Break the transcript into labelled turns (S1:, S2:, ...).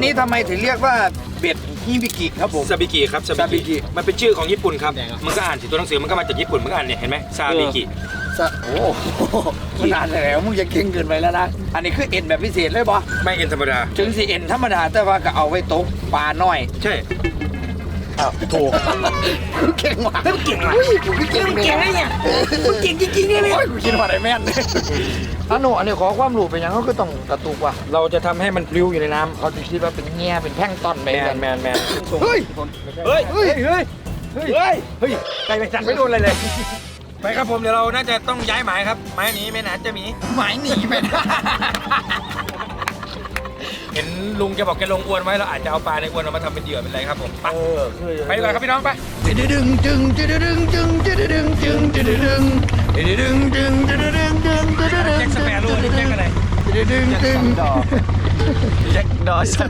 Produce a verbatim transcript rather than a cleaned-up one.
S1: นี้ทำไมถึงเรียกว่าเบ็ดฮิบิกิครับผม
S2: ซาบิกิครับซา
S1: ซาบิ
S2: บิ
S1: กิ
S2: กิมันเป็นชื่อของญี่ปุ่นครับมันก็อ่านสิตัวหนังสือมันก็มาจากญี่ปุ่นมันก็อ่านเนี่ยเห็นไหมซาบิกิ
S1: สะโอ้ขนาดแล้วมึงจะเก่งเกินไปแล้วนะอันนี้คือเอ็นแบบพิเศษเลยบอ
S2: ไม่เอ็นธรรมดา
S1: ถึงสิเอ็นธรรมดาแต่ว่าก็เอาไว้ตกปลาน้อย
S2: ใช่
S1: อ้าวถูกกูเก่งว่ะเก่งว่ะกูเก่งเก่งเลยเนี่ยกูเก่งจริงๆเนี่ยโอ้ยกูคิดว่าอะไรแม่นอันนู้นอันนี้ขอความรู้ไปยังเขาก็ต้องกระตุกว่ะ
S2: เราจะทำให้มันพลิ้วอยู่ในน้ำ
S1: เขาจะคิดว่าเป็นเงี้ยเป็นแท่งต้นไป
S2: แมนแมนแมน
S1: เฮ้ย
S2: เฮ้ย
S1: เฮ้ยเฮ้ย
S2: เฮ้ยเฮ้ยไก่แมงจันไม่โดนอะไรเลยไปครับผมเดี๋ยวเราน่าจะต้องย้ายหมายครับหมายนี้ไม่นานจะมี
S1: หมายหนีไปนะ
S2: เห็นลุงแกบอกแกลงอวนไว้เราอาจจะเอาปลาในอวนเอามาทำเป็นเหยื่อเป็นอะไรครับผมไป
S1: เออ
S2: ไปดีกว่าครับพี่น้องไป
S1: ดึงดึงดึงดึงดึงดึงดึงดึงดึงดึงดึงดึงดึงดึงดึงดึงดึง
S2: แจ็คสเปโร่นี่แจ็คอะไร
S1: ดึงดึงดึง
S3: แจ็คดอสัน